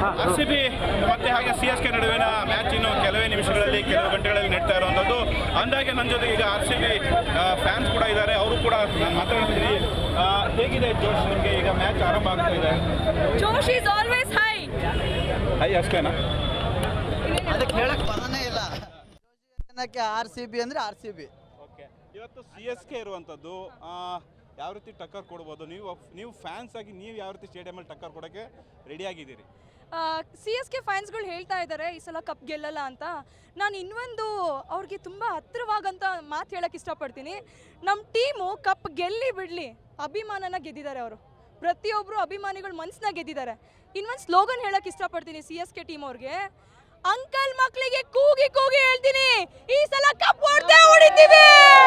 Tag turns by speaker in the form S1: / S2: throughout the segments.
S1: RCB ಮತ್ತೆ ಹಾಗೆ CSK ನಡುವಿನ ಮ್ಯಾಚ್ ಇನ್ನು ಕೆಲವೇ ನಿಮಿಷಗಳಲ್ಲಿ ಕೆಲವು ಗಂಟೆಗಳಲ್ಲಿ ನಡೀತಾ ಇರುವಂಥದ್ದು. ಅಂದಾಗೆ ನನ್ನ ಜೊತೆ ಈಗ RCB ಫ್ಯಾನ್ಸ್ ಕೂಡ ಇದ್ದಾರೆ, ಅವರು ಕೂಡ ನಾನು ಮಾತಾಡ್ತೀನಿ. ಹೇಗಿದೆ ಜೋಶ್ ನಿಮಗೆ? ಈಗ ಮ್ಯಾಚ್ ಆರಂಭ ಆಗ್ತಾ ಇದೆ.
S2: ಜೋಶ್ ಈಸ್ ಆಲ್ವೇಸ್ ಹೈ.
S1: ಹೈ ಅಷ್ಟೇನಾ?
S3: ಅದಕ್ಕೆ ಹೇಳಕ್ ಬರನೇ ಇಲ್ಲ. ಜನಕ್ಕೆ RCB ಅಂದ್ರೆ RCB.
S1: ಓಕೆ, ಇವತ್ತು CSK ಇರುವಂಥದ್ದು ಯಾವ ರೀತಿ ಟಕ್ಕರ್ ಕೊಡ್ಬೋದು? ನೀವು ಫ್ಯಾನ್ಸ್ ಆಗಿ ನೀವು ಯಾವ ರೀತಿ ಸ್ಟೇಡಿಯಮಲ್ಲಿ ಟಕ್ಕರ್ ಕೊಡೋಕ್ಕೆ ರೆಡಿ ಆಗಿದ್ದೀರಿ?
S2: CSK ಫ್ಯಾನ್ಸ್ಗಳು ಹೇಳ್ತಾ ಇದ್ದಾರೆ ಈ ಸಲ ಕಪ್ ಗೆಲ್ಲಲ್ಲ ಅಂತ. ನಾನು ಇನ್ನೊಂದು ಅವ್ರಿಗೆ ತುಂಬ ಹತ್ತಿರವಾಗಂತ ಮಾತು ಹೇಳಕ್ಕೆ ಇಷ್ಟಪಡ್ತೀನಿ. ನಮ್ಮ ಟೀಮು ಕಪ್ ಗೆಲ್ಲಿ ಬಿಡಲಿ, ಅಭಿಮಾನನ ಗೆದ್ದಿದ್ದಾರೆ ಅವರು. ಪ್ರತಿಯೊಬ್ಬರು ಅಭಿಮಾನಿಗಳು ಮನಸ್ಸನ್ನ ಗೆದ್ದಿದ್ದಾರೆ. ಇನ್ನೊಂದು ಸ್ಲೋಗನ್ ಹೇಳಕ್ಕೆ ಇಷ್ಟಪಡ್ತೀನಿ CSK ಟೀಮ್ ಅವ್ರಿಗೆ. ಅಂಕಲ್ ಮಕ್ಕಳಿಗೆ ಕೂಗಿ ಕೂಗಿ ಹೇಳ್ತೀನಿ, ಈ ಸಲ ಕಪ್ ಹೊಡಿತೀವಿ.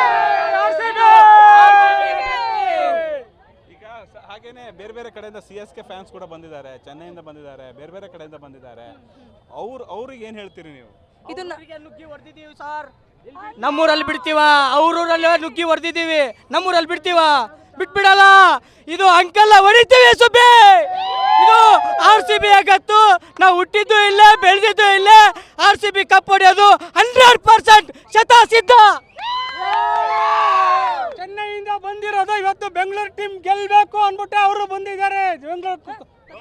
S1: ಈಗ ಹಾಗೇನೆ ಬೇರೆ ಬೇರೆ ಕಡೆಯಿಂದ CSK ಫ್ಯಾನ್ಸ್ ಕೂಡ ಬಂದಿದ್ದಾರೆ, ಚೆನ್ನೈಯಿಂದ ಬಂದಿದ್ದಾರೆ, ಬೇರೆ ಬೇರೆ ಕಡೆಯಿಂದ ಬಂದಿದ್ದಾರೆ. ಅವ್ರಿಗೆ ಏನು ಹೇಳ್ತೀರಿ ನೀವು?
S2: ಇದನ್ನ
S4: ನುಗ್ಗಿ ಹೊಡೆದಿದ್ದೀವಿ ಸರ್. ನಮ್ಮೂರಲ್ಲಿ ಬಿಡ್ತೀವ, ಅವ್ರೂರಲ್ಲಿ ನುಗ್ಗಿ ಹೊಡೆದಿದ್ದೀವಿ, ನಮ್ಮೂರಲ್ಲಿ ಬಿಡ್ತೀವ, ಬಿಟ್ಬಿಡಲ್ಲ. ಇದು ಅಂಕಲ್ ಹೊಡಿತೀವಿ ಸುಬ್ಬಿ. ಇದು RCB ಆಗತ್ತು. ನಾವು ಹುಟ್ಟಿದ್ದು ಇಲ್ಲೇ, ಬೆಳೆದಿದ್ದು ಇಲ್ಲೇ. RCB ಕಪ್ ಹೊಡೆಯೋದು 100% ಶತಸಿದ್ಧ. ಚೆನ್ನೈಯಿಂದ ಬಂದಿರೋದು, ಇವತ್ತು ಬೆಂಗಳೂರು ಟೀಮ್ ಗೆಲ್ಲಬೇಕು ಅಂದ್ಬಿಟ್ಟು ಅವರು ಬಂದಿದ್ದಾರೆ ಬೆಂಗಳೂರು.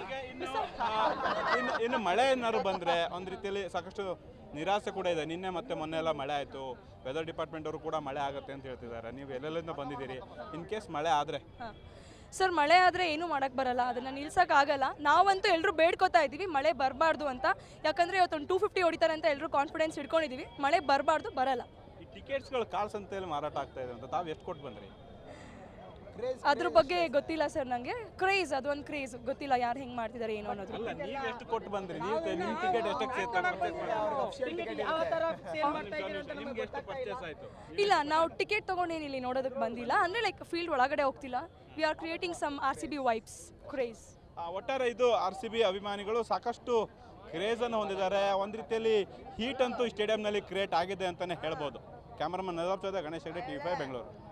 S1: ಇನ್ನು ಮಳೆ ಏನಾದ್ರು ಬಂದರೆ ಒಂದು ರೀತಿಯಲ್ಲಿ ಸಾಕಷ್ಟು ನಿರಾಸೆ ಕೂಡ ಇದೆ. ನಿನ್ನೆ ಮತ್ತೆ ಮೊನ್ನೆ ಎಲ್ಲ ಮಳೆ ಆಯಿತು, ವೆದರ್ ಡಿಪಾರ್ಟ್ಮೆಂಟ್ ಅವರು ಕೂಡ ಮಳೆ ಆಗುತ್ತೆ ಅಂತ ಹೇಳ್ತಿದ್ದಾರೆ. ನೀವು ಎಲ್ಲೆಲ್ಲಿಂದ ಬಂದಿದ್ದೀರಿ? ಇನ್ ಕೇಸ್ ಮಳೆ ಆದರೆ?
S2: ಸರ್, ಮಳೆ ಆದರೆ ಏನೂ ಮಾಡೋಕ್ಕೆ ಬರಲ್ಲ, ಅದನ್ನು ನಿಲ್ಸೋಕ್ಕಾಗಲ್ಲ. ನಾವಂತೂ ಎಲ್ಲರೂ ಬೇಡ್ಕೋತಾ ಇದ್ದೀವಿ ಮಳೆ ಬರಬಾರ್ದು ಅಂತ. ಯಾಕಂದರೆ ಇವತ್ತೊಂದು 250 ಹೊಡಿತಾರೆ ಅಂತ ಎಲ್ಲರೂ ಕಾನ್ಫಿಡೆನ್ಸ್ ಇಟ್ಕೊಂಡಿದ್ದೀವಿ. ಮಳೆ ಬರಬಾರ್ದು, ಬರಲ್ಲ.
S1: ಈ ಟಿಕೆಟ್ಸ್ಗಳು ಕಾಲ್ ಸಂತೆಯಲ್ಲಿ ಮಾರಾಟ ಆಗ್ತಾ ಇದೆ ಅಂತ ತಾವು ಎಷ್ಟು ಕೊಟ್ಟು ಬಂದ್ರಿ?
S2: ಅದ್ರ ಬಗ್ಗೆ ಗೊತ್ತಿಲ್ಲ ಸರ್ ನನಗೆ. ಕ್ರೇಜ್, ಅದೊಂದು ಕ್ರೇಜ್, ಗೊತ್ತಿಲ್ಲ ಯಾರು ಹೆಂಗೆ ಮಾಡ್ತಿದ್ದಾರೆ ಏನು ಅನ್ನೋದು.
S1: ಅಲ್ಲ, ನೀವು ಎಷ್ಟು ಕೊಟ್ಟು ಬಂದ್ರಿ? ನಿಮ್ಮ ಟಿಕೆಟ್ ಎಷ್ಟಕ್ಕೆ ನಿಮ್ಗೆ ಎಷ್ಟು ಪರ್ಚೇಸ್ ಆಯಿತು?
S2: ಇಲ್ಲ, ನಾವು ಟಿಕೆಟ್ ತೊಗೊಂಡೇನು ಇಲ್ಲಿ ನೋಡೋದಕ್ಕೆ ಬಂದಿಲ್ಲ. ಅಂದರೆ ಲೈಕ್ ಫೀಲ್ಡ್ ಒಳಗಡೆ ಹೋಗ್ತಿಲ್ಲ. We are creating some RCB vibes, craze.
S1: ಒಟ್ಟಾರೆ ಇದು RCB ಅಭಿಮಾನಿಗಳು ಸಾಕಷ್ಟು ಕ್ರೇಜನ್ನು ಹೊಂದಿದ್ದಾರೆ. ಒಂದು ರೀತಿಯಲ್ಲಿ ಹೀಟ್ ಅಂತೂ ಸ್ಟೇಡಿಯಂನಲ್ಲಿ ಕ್ರಿಯೇಟ್ ಆಗಿದೆ ಅಂತಲೇ ಹೇಳ್ಬೋದು. ಕ್ಯಾಮರಾಮನ್ ನದಾಬ್ ಚೌದ, ಗಣೇಶ್ ಹೆಗ್ಡೆ, TV5 ಬೆಂಗಳೂರು.